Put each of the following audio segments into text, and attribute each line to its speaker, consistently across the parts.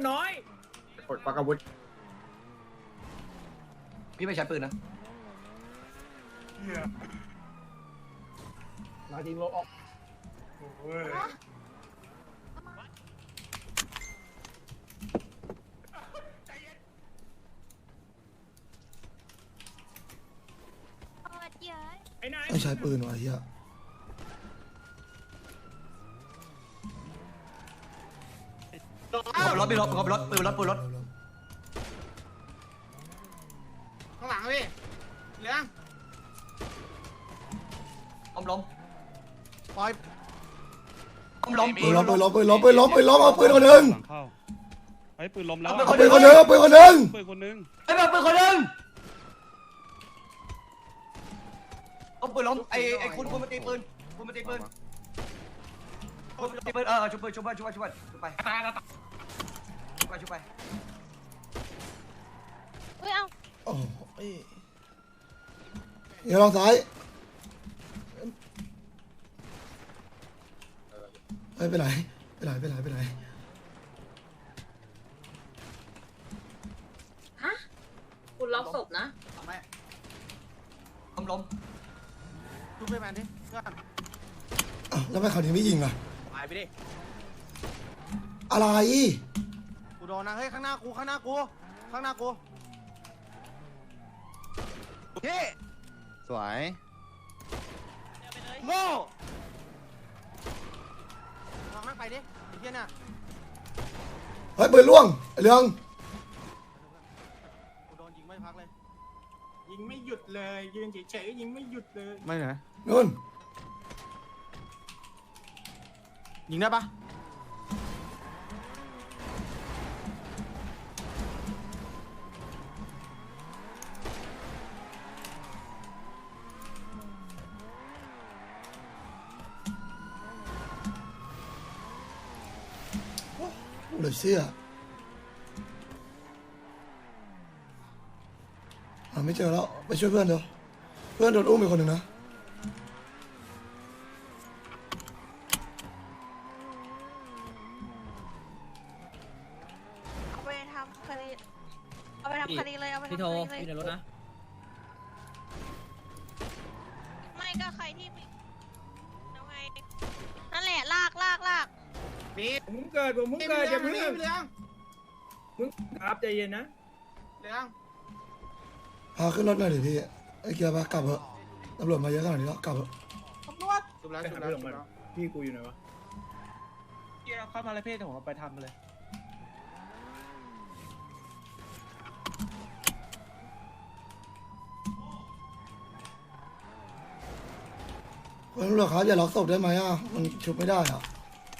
Speaker 1: มันน้อยกดปากอาวุธพี่ไม่ใช้ปืนนะมาทีมโลออก
Speaker 2: ไม่ใช้ปืนวะเฮีย
Speaker 1: รถไปรถปืนรถปืนรถ
Speaker 3: ข้างหลังพี่เหลือง
Speaker 1: ล้มปล่อยล้ม
Speaker 2: ปืนล้มเอาปืนคนหนึ่ง
Speaker 4: ไอ้ปืนล้มแล้ว
Speaker 2: เอาปืนคนหนึ่ง
Speaker 4: ปืนคนนึง
Speaker 1: ไอ้ปืนคนนึงเอาปืนล้มไอ้คุณมาตีปืนคุณมาตีปืนชุบปืนชุบไปชุบไป
Speaker 5: เฮ้ยเอา
Speaker 2: โอ้ยเดี๋ยวลองซ้ายไปไหน
Speaker 5: ฮะคุณล็อกศพนะ
Speaker 1: ล้ม
Speaker 3: ดูไปแมนดิเพื่อน
Speaker 2: แล้วทำไมเขาถึงไม่ยิงอ่ะ
Speaker 3: หายไปดิ
Speaker 2: อะไร
Speaker 3: กูโดนนะเฮ้ยข้างหน้ากูเฮ้สวยโง่ลองนั่งไปดิไอ้เหี้ยน่ะ
Speaker 2: เฮ้ยปืนล่วงเรือง
Speaker 3: กูโดนยิงไม่พักเลย
Speaker 6: ยิงไม่หยุดเลยยืนเฉยๆยิงไม่หยุดเลย
Speaker 3: ไม่นะ
Speaker 2: นู่น
Speaker 3: ยิงได้ปะ
Speaker 2: เหลือเชื่อไม่เจอแล้วไปช่วยเพื่อนเดี๋ยวเพื่อนโดนอุ้มไปคนหนึ่งนะ
Speaker 5: เอาไปทำคดีเลยเอาไปทำคดีเลยพี่ในรถนะไม่ก็ใครที่แล้วไงนั่นแหละลาก
Speaker 6: ผมเกิดอย่าเพิ่งมึงครับใจเย็นนะ
Speaker 3: เหลือง
Speaker 2: พาขึ้นรถหน่อยดิพี่ไอ้เกียร์ปะกลับเถอะตำรวจมาเยอะขนาดนี้แล้วกลับเถอะ
Speaker 3: ชุบแล้ว
Speaker 6: พี่กูอยู่ไหนวะ
Speaker 4: เกี่ยวเข้ามาเลยเพ่ผมเอาไปทำมาเลย
Speaker 2: คุณตำรวจครับอย่าล็อกศพได้ไหมอ่ะมันชุบไม่ได้อ่ะ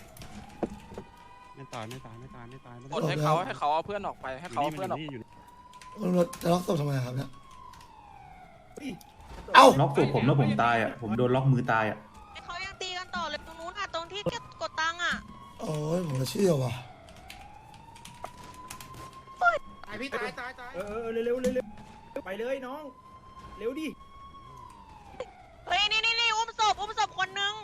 Speaker 4: ไม่ตาย
Speaker 7: กดให้เขาเอาเพื่อนออกไปให้เขาเอาเพื่อนออก
Speaker 2: คุณตำรวจจะล็อกศพทำไมครับเนี่ยเอ้า
Speaker 8: ล็อกตัวผมแล้วผมตายอ่ะผมโดนล็อกมือตายอ่ะ
Speaker 5: เขายังตีกันต่อเลยตรงนู้นอ่ะตรงที่กดตังค์อ่ะ
Speaker 2: โอ้ยผมจะเชื่อว่ะ
Speaker 3: ตายพี่ตาย
Speaker 6: เร็วไปเลยน้องเร็วดิ
Speaker 5: เฮ้ยนี่อุ้มศพคนนึง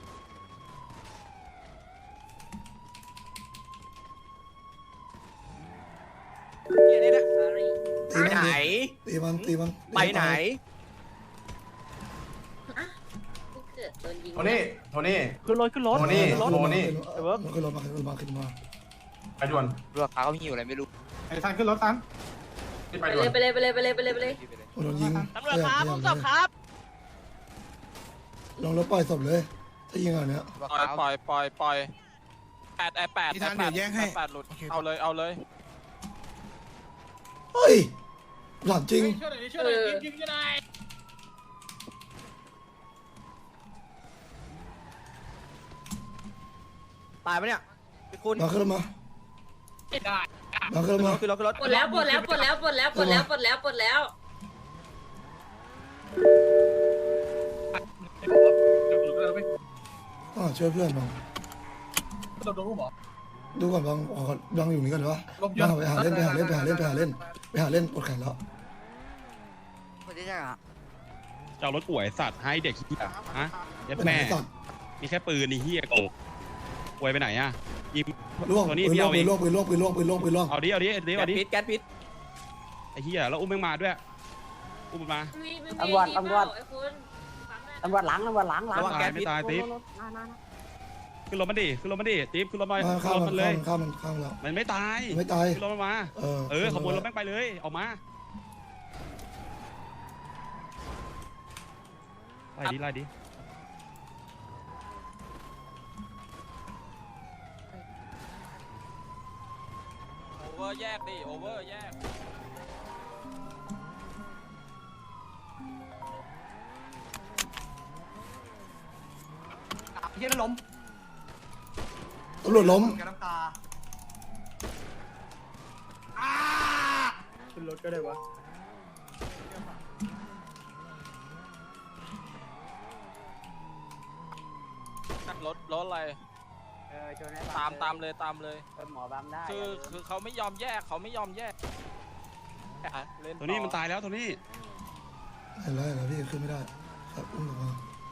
Speaker 2: ตีมัน
Speaker 1: ไปไหนโทนี่ขึ้นรถโทนี่
Speaker 2: ขึ้นรถมา
Speaker 1: ไปด่วน
Speaker 7: เรือขาเขาหิวอะไรไม่รู้
Speaker 6: ไอ้ทันขึ้นรถทัน
Speaker 5: ไปเลย
Speaker 2: โดนยิง
Speaker 5: ตำรวจครับอุ้มศพครับ
Speaker 2: ลองรถปล่อยศพเลยถ้ายิงอันเนี้ย
Speaker 7: ปล่อย8หลุดเอาเลย
Speaker 2: เฮ้ยหลับจริง
Speaker 3: ช่วยหน่อยยิงยังไง
Speaker 1: ตายปะเนี่ยคุณ
Speaker 2: มาขึ้นมามาขึ้นมา
Speaker 1: ขึ้นรถ
Speaker 5: ปลดแล้ว
Speaker 2: ช่วยเพื่อนบ้างดูก่อนบางอยู่นี่กันหรอวะบางไปหาเล่นปวดแขนแล้ว
Speaker 4: เจ้ารถป่วยสัตว์ให้เด็กเหี้ยฮะยัดแม่มีแค่ปืนนี่เหี้ยโกอวยไปไหนอ่ะยิง
Speaker 2: ล่วง
Speaker 4: ตัว
Speaker 2: ปื
Speaker 4: นี้
Speaker 2: น
Speaker 4: พี่
Speaker 2: ล่วง
Speaker 4: เอา
Speaker 2: ปื
Speaker 4: เอน ง
Speaker 2: ล่วงปืนล่วงปืนล่วงปืนล่วงปืนล่วง
Speaker 4: เอาดิเอาดิเอาดิ
Speaker 7: แก๊สพิษ
Speaker 4: ไอ้เหี้ยแล้วอุ้มแม่งมาด้วยอุ้มมันมา
Speaker 9: ตำรวจหลัง
Speaker 4: ไม่ตายติ๊บขึ้นรถมันดิขึ้นรถมันดิติ๊บขึ้นรถมา
Speaker 2: มา
Speaker 4: ขึ้
Speaker 2: ข้าม
Speaker 4: นรถ
Speaker 2: มั
Speaker 4: มัน นเลย
Speaker 2: ข้ามมันข้ามแล้ว
Speaker 4: มันไม่ตาย
Speaker 2: ไม่ตาย
Speaker 4: ขึ้นรถมันมา
Speaker 2: เออ
Speaker 4: ขบวนรถแม่งไปเลยออกมาไล่ดิไล่ดิ
Speaker 7: โอเวอร์แยกดิโอเวอร์แยก
Speaker 1: เฮียนั่นล้ม
Speaker 2: ตำรวจล้ม
Speaker 1: แกน้ำตา
Speaker 6: ขึ้นรถก็ได้วะ
Speaker 7: รถอะไรตามเลย
Speaker 9: หมอบัมได้
Speaker 7: คือเขาไม่ยอมแยกเล่น
Speaker 4: ตัวนี้มันตายแล้วตัวนี้
Speaker 2: เห็นแล้วเห็นแล้วพี่ขึ้นไม่ได้ครับอุ้มออกมา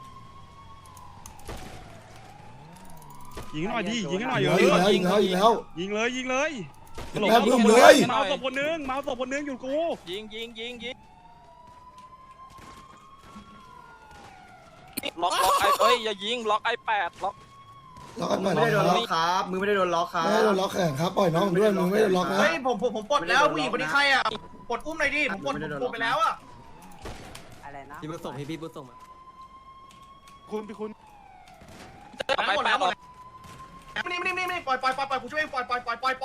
Speaker 4: ยิงหน่อยดิยิงหน่อย
Speaker 2: ยิง
Speaker 4: เอ
Speaker 2: แล้ว
Speaker 4: อ
Speaker 2: ยิงแล้วยิงแล้ว
Speaker 4: ยิงเลยยิงเลย
Speaker 2: แม่บึ้มเลย
Speaker 4: มาศพคนนึงมาศพคนนึงอยู่กู
Speaker 7: ยิงล็อกไออย่ายิงล็อกไ8ล็อก
Speaker 2: ล็อกกันหน่อย
Speaker 3: ไม่ได้โดน
Speaker 2: นะ
Speaker 3: ล็อกครับมือไม่ได้โดนล็อกครับ
Speaker 2: ไม่ได้โดนล็อกแขนครับปล่อยน้องผมด้วยมึงไม่ได้โดนล็อกนะ
Speaker 3: เฮ้ยผมปลดแล้วผู้หญิงคนนี้ใครอ่ะปลดอุ้มหน่อยดิผมปลดไปแล้วอ่ะ
Speaker 9: อะไรนะ
Speaker 1: พี่บุญส่งพี่บุญส่งมา
Speaker 4: คุณพี่คุณ
Speaker 3: หมดแล้วนี่ปล่อยกูช่วยเองปล่อย
Speaker 2: ป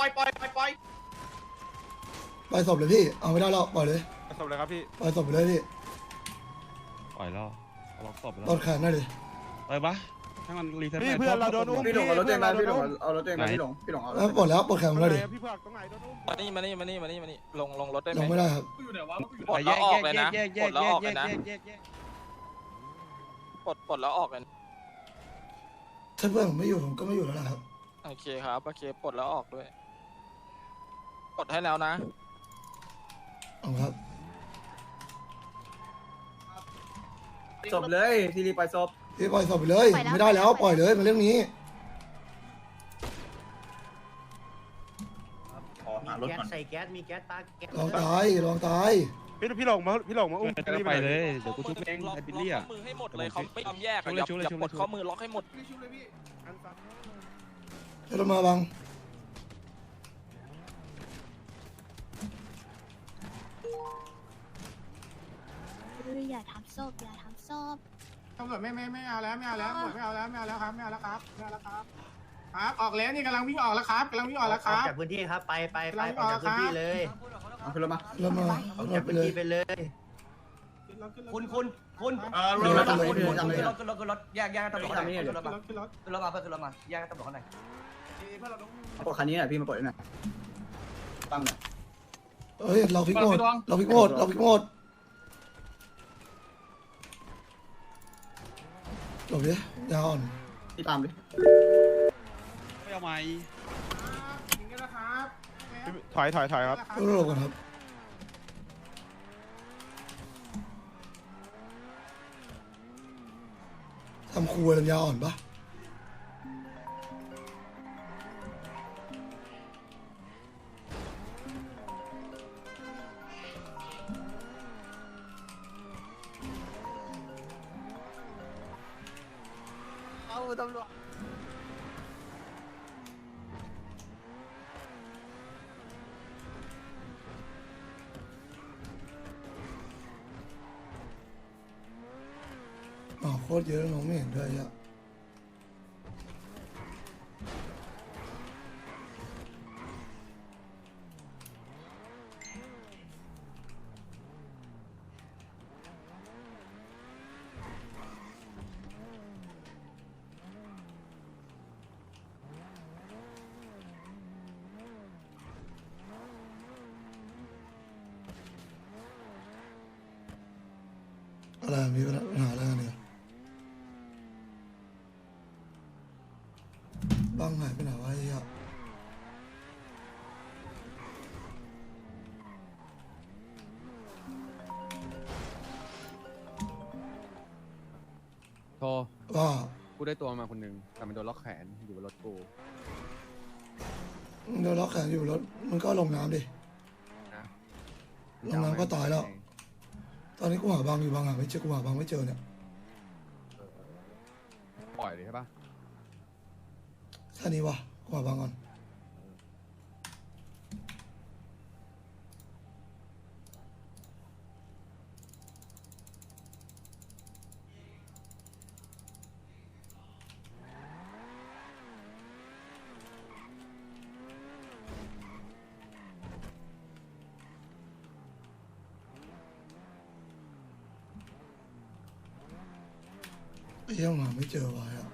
Speaker 2: ล่อยศพเลยพี่เอาไม่ได้แล้วปล่อยเลย
Speaker 4: ศพเลยครับพี่
Speaker 2: ปล่อยศพไปเลยพี่
Speaker 4: ปล่อยแล้วล็อกศพแล้ว
Speaker 2: ตอดแขนหน่อยดิ
Speaker 4: ไปปะให้มันรีเซ็ต
Speaker 1: พี่เพื่อนเราโดนอุ้ม
Speaker 3: พี่หลงเอารถเต็มมาพี่หลงเอารถเต็มมาพี่หลงเอา
Speaker 2: แล้วปลดแล้วปลดแขนผมเลยดิ
Speaker 1: พี่เพื่อนตรงไหนโดนอุ้ม
Speaker 7: มานี่ลงรถได้ไห
Speaker 2: ล
Speaker 7: ม
Speaker 2: งไม่ได้ครับ
Speaker 7: ปลดแล้วออกเลยนะปลดแล้วออกเลยนะปลดแล้วออกเลย
Speaker 2: ถ้าเพื่อนผมไม่อยู่ผมก็ไม่อยู่แล้วนะครับ
Speaker 7: โอเคครับโอเคปลดแล้วออกด้วยปลดให้แล้วนะ
Speaker 2: เอาครับ
Speaker 3: จบเลยทีรีปล่อยศพ
Speaker 2: พี่ปล่อยศพไปเลยไม่ได้แล้วปล่อยเลยมันเรื่องนี้
Speaker 8: ขอหารถก่อน
Speaker 9: ใส่แก๊สมีแก๊สตาแก๊ส
Speaker 2: ลองตายลองตาย
Speaker 1: พี่หลงมาอุ้ม
Speaker 4: ไปเลยเดี๋ยวกูทุบเอง
Speaker 7: ล็อก
Speaker 4: ไอ้บิลลี่
Speaker 7: ข้
Speaker 4: อ่ะ
Speaker 7: อมือให้หมดเลยเขาไม่ยอมแยกอย่าปลดข้อมือล็อกให้หมด
Speaker 2: ให้รถมาบัง
Speaker 5: อย่าทำศพอย่าทำศพ
Speaker 3: ตำรวจไม่เอาแล้วไม่เอาแล้วไม่เอาแล้วครับออกแล้วนี่กำลังวิ่งออกแล้วครับครับ
Speaker 9: จากพื้นที่ครับไปออกจากพื้นที่เลย
Speaker 3: เอาขึ้นรถมา
Speaker 2: รถมา
Speaker 9: ออก
Speaker 2: ร
Speaker 9: จาก
Speaker 2: ถไป
Speaker 9: พื้น
Speaker 2: เลย
Speaker 9: ที่ไปเลย
Speaker 1: คุณ
Speaker 3: รถ
Speaker 1: ขึ้นรถแยกตำรวจหน่อยขึ้นรถมาขึ้นรถมาแยกตำรวจหน่อย
Speaker 3: ปลดคันนี้หน่อยพี่มาปลดหน่อยตั้งหน่อย
Speaker 2: เฮ้ยเราพลิกโหมดเราพลิกโหมดเราพลิกโหมดหลบดิยาวอ่อน
Speaker 3: พี่ตามดิ
Speaker 4: ไม่เอาไม้
Speaker 3: ยิงกันนะครับ
Speaker 1: ถอยครับ
Speaker 2: ต้องหลบก่อนครับทำครัวลำยาวอ่อนปะ
Speaker 1: เอาตำรวจ
Speaker 2: อ๋อโคตรเยอะน้องไม่เห็นด้วยอ่ะอะไรมีปัญหาอะไรกันเนี่ยบ้างหายไปไหนวะไอ้เหี้ย
Speaker 4: โทร
Speaker 2: ว่า
Speaker 10: กูได้ตัวมาคนหนึงแต่มันโดนล็อกแขนอยู่บนรถกู
Speaker 2: โดนล็อกแขนอยู่รถมันก็ลงน้ำดิ
Speaker 10: นะ
Speaker 2: ลงน้ำก็ตายแล้ว ตอนนี้กูหาบางอยู่บางหาไม่เจอกูหาบางไม่เจอเนี่ย
Speaker 10: ปล่อยเลยใช่ปะ
Speaker 2: แค่นี้วะกูหาบางก่อนยังหาไม่เจอวะอ่ะ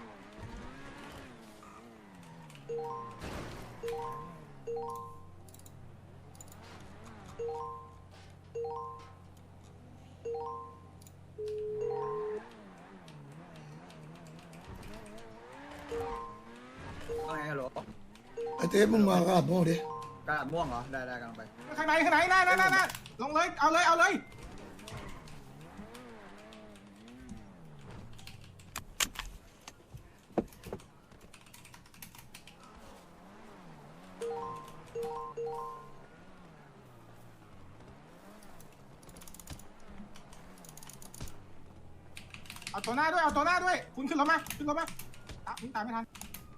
Speaker 2: ไอเต้มึงมากระดาษโม่ดิ
Speaker 1: กระดาษม่วงเหรอได้กำลังไป
Speaker 3: ข้างในน่าลงเลยเอาเลย เอาตัวหน้าด้วย คุณขึ้นรถมาอ่ะคุณตามไม่ทัน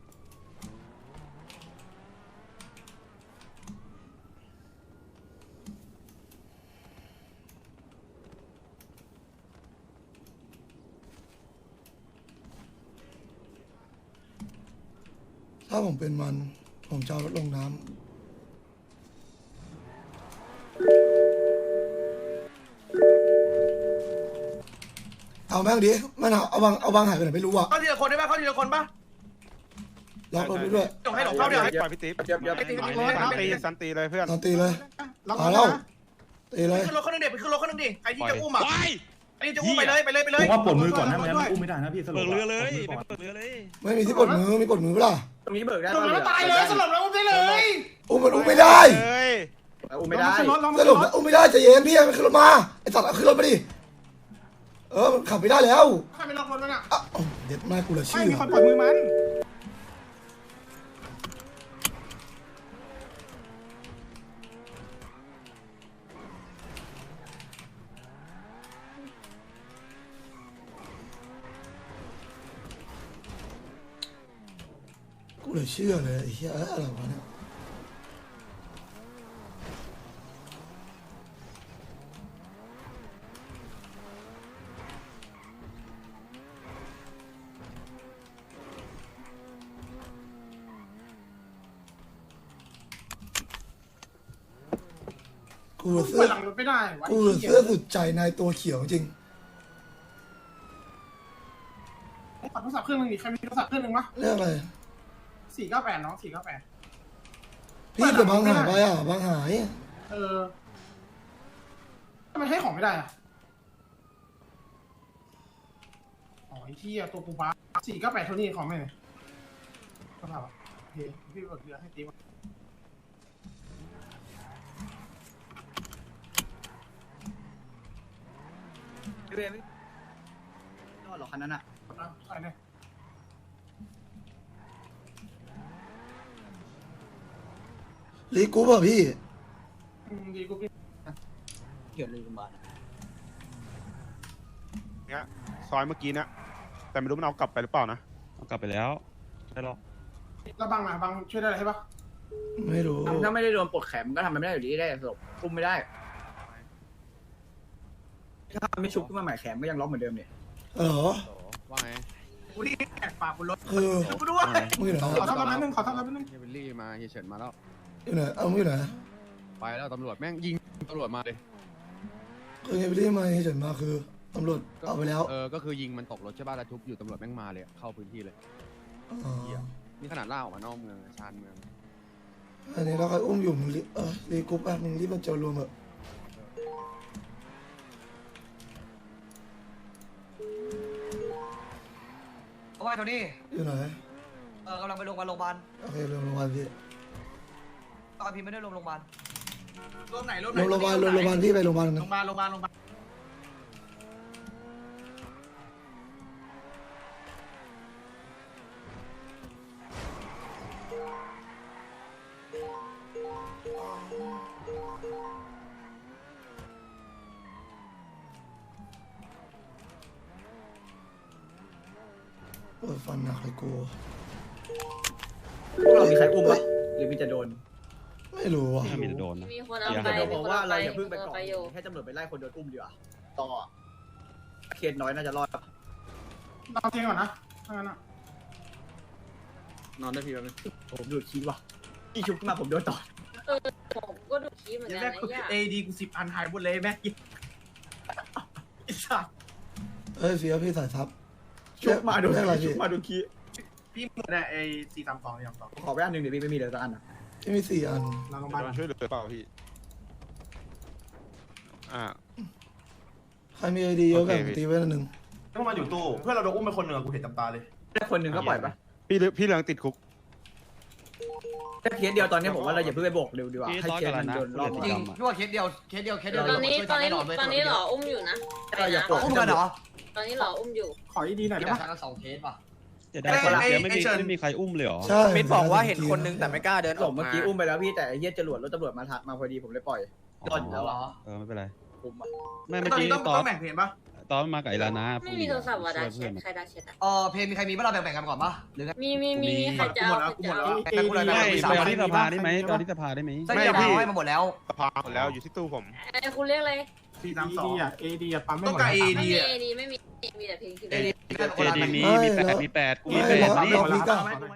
Speaker 2: ถ้าผมเป็นมันผมจะเอารถลงน้ำเอาแม่งดิมันเอาบางหายไปไหนไม่รู้อ่ะ
Speaker 3: เข้าทีละคนได้ป่ะเข้าทีละคนป่ะ
Speaker 2: ล็อกรถไปด้วย
Speaker 3: จงให้หลงเข้าเดี๋ยว
Speaker 4: ปล่อยพี่ติ๊บ สันตีเลยเพื่อน
Speaker 2: ตอนตีเลย
Speaker 3: ล็อก
Speaker 2: มา
Speaker 3: แล้
Speaker 2: แล้ว วตีเลย
Speaker 3: ขึ้นรถคนนึงเด็กไปขึ้นรถคนนึงดิใครที่จะอุ้มอ่ะ
Speaker 4: ว้าย
Speaker 3: ไอ้ที่จะอุ้มไปเลย
Speaker 8: ผมว่าปลดมือก่อนนะไม่งั้นอุ้มไม่ได้นะพี่สรุ
Speaker 4: เปิ
Speaker 8: ป
Speaker 4: ดเรือเลย
Speaker 8: ปลดมือก่อน
Speaker 4: เปิดเรือเลย
Speaker 2: ไม่มีที่กดมือมีกดมือเปล่า
Speaker 1: ตรงนี้เบิกได้
Speaker 3: ลงแล้วตายเลยสลบแล้วอุ้มได้เลย
Speaker 2: อุ้มมันอุ้มไม่ได้
Speaker 4: เฮ้ย
Speaker 1: อุ้มไม่ได้
Speaker 3: ลง
Speaker 2: สรุปนะอุ้มไม่ได้ใจเย็นพี่มันขึ้นรถมาไอ้สัตว์เอาขึ้นรถมาดิมันขับไม่ได้แล้ว
Speaker 3: ใครไปล็อกรถมันอ่ะ
Speaker 2: อ่ะเด็ดมากกูละ
Speaker 3: ไม่
Speaker 2: ชื่อ
Speaker 3: มีคนปล่อยมือมัน
Speaker 2: กูเลยเชื่อเลยไอ้เหี้ยอะไรวะเนี่ยกูเสื้
Speaker 3: เปิ
Speaker 2: อ
Speaker 3: ดหลังรถไม่ได้
Speaker 2: กูเสื้อสุดใจในตัวเขียวจริง
Speaker 3: ขอโทรศัพท์เครื่องนึงดิใครมีโทรศัพท์เครื่องนึงวะ
Speaker 2: เรื่องอะไร
Speaker 3: 498น้อง498
Speaker 2: พี่แต่บางหายไปอ่ะบางหาย
Speaker 3: ทำไมให้ของไม่ได้อ่ะอ๋อไอ้ที่ตัวกูบ้า498เท่านี้ของไม่เลยก็ถามว่าโอเคพี่เบิกเรือให้ติ๊บ
Speaker 1: เรียนนอนหรอคันนั้นอ่ะ
Speaker 3: ใส่เลย
Speaker 2: ลีกูป่ะพี่
Speaker 3: ดีกูพี่
Speaker 1: เกี่ยวเลยคุณบาท
Speaker 4: เนี่ยซอยเมื่อกี้นะแต่ไม่รู้มันเอากลับไปหรือเปล่านะเอากลับไปแล้วได้หรอก
Speaker 3: แล้วบังอ่ะบังช่วยได้อะไรให้ปะ
Speaker 2: ไม่รู้
Speaker 1: ถ้าไม่ได้โดนปลดแขนก็ทำไม่ได้อยู่ดีได้ศพคุมไม่ได้ถ้าไม่ชุบขึ้นมาใหม่แขนก็ยังล็อกเหมือนเดิมเนี่ย
Speaker 2: เหรอ
Speaker 10: ว่าไง
Speaker 3: กูที่แอบปากบนรถ
Speaker 2: คือ
Speaker 3: กูด้วย
Speaker 2: มึงอยู่ไหน
Speaker 3: ขอทำอะไรนึงขอทำอะไรนึง
Speaker 10: เฮยเบลลี่มาเฮียเฉินมาแล้ว
Speaker 2: อยู่ไหนเอามึงอยู่ไหน
Speaker 10: ไปแล้วตำรวจแม่งยิงตำรวจมาเลย
Speaker 2: คือไงพี่ที่มาเฉยมาคือตำรวจเอาไปแล้ว
Speaker 10: ก็คือยิงมันตกรถใช่ป่ะแล้วทุบอยู่ตำรวจแม่งมาเลยเข้าพื้นที่เลย
Speaker 2: อ๋อ
Speaker 10: นี่ขนาดล่าออกมานอกเมืองชานเมือง
Speaker 2: อันนี้เราใครอุ้มอยู่มึงรีรีกรุ๊ปอ่ะมึงรีบมาเจอรวมเถอะ
Speaker 1: เอาไว้เท่านี้
Speaker 2: อยู่ไหน
Speaker 1: กำลังไปโรงพยาบาล
Speaker 2: โอเคโรงพยาบาลพี่
Speaker 1: ตอนพี่ไม่ได้ลงโรงพยาบาล
Speaker 3: รวมไหน
Speaker 2: โรงพยาบาลพี่ไปโรงพยาบาลนะ
Speaker 3: โรงพยาบาล
Speaker 2: ฟันหนักเลยกู
Speaker 6: เรามีใครอุ้มปะหรือมีจะโดน
Speaker 2: ไม่รู้ว่ะ
Speaker 4: ถ้ามีจะโดนนะ
Speaker 9: มีคนเอา
Speaker 4: อย่า
Speaker 9: ไป
Speaker 6: เดี๋ยวผมว่าเราอย่า
Speaker 9: มี
Speaker 6: เพิ่ง
Speaker 9: ค
Speaker 6: ไป
Speaker 9: น
Speaker 6: ก่
Speaker 9: เอา
Speaker 6: อน
Speaker 9: ไปอยู่
Speaker 6: ให้ตำรวจไปไล่คนโดนอุ้มดีกว่าต่อเคสน้อยน่าจะรอด
Speaker 3: นอนเที่ยงก่อนนะถ้างั้นอะ
Speaker 6: นอนได้พี่แป๊บนึงผมดูดคีว่ะพี่ชุบขึ้นมาผมโดนต่อ
Speaker 9: ผมก็ดูคลิปเหมือน
Speaker 3: เดี๋ยว
Speaker 9: กัน
Speaker 3: แรก
Speaker 9: นะย่า
Speaker 3: เอดีกู10 อันหายหมดเลยแม่ไอ้สัส
Speaker 2: เอ้ยเฟียพี่สายทับ
Speaker 6: ชุบมาดู
Speaker 2: เรียกอะไร
Speaker 6: ชุ
Speaker 2: พี่
Speaker 6: บมาดูคี
Speaker 3: พี่หมดเนี่ยไอ้432เนี่ย432
Speaker 6: ขอไปอันหนึ่งเดี๋ยวพี่ไม่มีเลยสักอันอ่ะ
Speaker 2: พี่มี4 อัน
Speaker 3: หลังโรงพยาบาล
Speaker 4: โดนช่วยเหลือเปล่าพี่อ่า
Speaker 2: ใครมีไอดีเยอะกัน
Speaker 4: โอเคพี่
Speaker 2: ตีไว้อันหนึ่ง
Speaker 1: พวกมันอยู่ตู้เพื่อนเราโดนอุ้มไปคนหนึ่งกูเห็นจำตาเลย
Speaker 6: ได้คนหนึ่งก็ปล่อยปะ
Speaker 4: พี่เหลืองติดคุก
Speaker 6: ถ้าเคสเดียวตอนนี้ผมว่าเราอย่าเพิ่งไปโบกเร็วดีกว่า
Speaker 4: พี่
Speaker 6: ให้
Speaker 4: ซ้อน
Speaker 6: เค
Speaker 4: กั
Speaker 6: ส
Speaker 4: น
Speaker 6: มัน
Speaker 4: แล้วนะ
Speaker 6: โดนรอบ
Speaker 4: จ
Speaker 6: ก่อน
Speaker 1: จริง
Speaker 4: ดำอะ
Speaker 1: พี่ว่าเคสเดียว
Speaker 9: ตอนนี้
Speaker 1: ช่วยกันแน่นอนเว้ย
Speaker 9: ตอนนี้หล่ออุ้มอยู่นะ
Speaker 6: เราอย่าโบก
Speaker 1: อุ้มกันเหรอ
Speaker 9: ตอนนี้หล่ออุ้มอยู่
Speaker 3: ขอดีๆหน่อย
Speaker 1: เดี๋
Speaker 3: ได้
Speaker 1: ยว
Speaker 3: ปะ
Speaker 1: ทั้ง2 เคสป่ะ
Speaker 4: จะได้คนละเดียวไม่มีใครอุ้มเลยเหรอ
Speaker 2: ใช่
Speaker 7: มิดบอกว่าเห็นคนนึงแต่ไม่กล้าเดิน
Speaker 6: หลบเมื่อกี้อุ้มไปแล้วพี่แต่ไอ้เหี้ยจรวดรถตำรวจมาพอดีผมเลยปล่อยรอดอยู่แล้ว
Speaker 1: เหร
Speaker 6: อ่ะ
Speaker 1: อ
Speaker 4: ไม่เป็นไร
Speaker 6: ผมอ่ะ
Speaker 4: ไม่เมื่อ
Speaker 3: ตอน
Speaker 4: กี้
Speaker 3: นี้ต้องแบ่งเพลงปะ
Speaker 4: ตอนมากับไอ้ลานะ
Speaker 9: ไม่มีโทรศัพท์ว่ะดา
Speaker 4: ช่วย
Speaker 9: เช็
Speaker 4: เพื่อน
Speaker 9: ใครดาเช็ดอ่ะ
Speaker 1: เพลงมีใครมีบ้างเราแบ่งกันก่อนปะหรือไง
Speaker 9: มีใครจะเอาใครจะเอา
Speaker 1: แบ่งกูเลย
Speaker 4: ไม่
Speaker 1: แบ่งกู
Speaker 4: ไป
Speaker 1: 3
Speaker 4: เอา
Speaker 1: อัน
Speaker 4: ที่สภาได้ไหมเอาที่สภาได้ไหม
Speaker 1: ไส้เดียวเอาให้มาหมดแล้ว
Speaker 4: สภาหมดแล้วอยู่ที่ตู้ผม
Speaker 9: ไอ้คุณเรียกอะไร
Speaker 3: 432อ่ะ AD อ่ะปั๊มไม่ห
Speaker 1: ต้อ
Speaker 3: ม
Speaker 1: ง
Speaker 3: ด
Speaker 1: การ
Speaker 9: ไม่
Speaker 1: AD
Speaker 9: มี
Speaker 1: อ่ะ
Speaker 9: เอดีไม่มีมีแต่เพลงคือ
Speaker 1: AD
Speaker 4: เจดีมี8 มี8กูมี
Speaker 2: ไม่
Speaker 4: 8
Speaker 2: รอ
Speaker 4: นี่
Speaker 2: รอพี่ก้า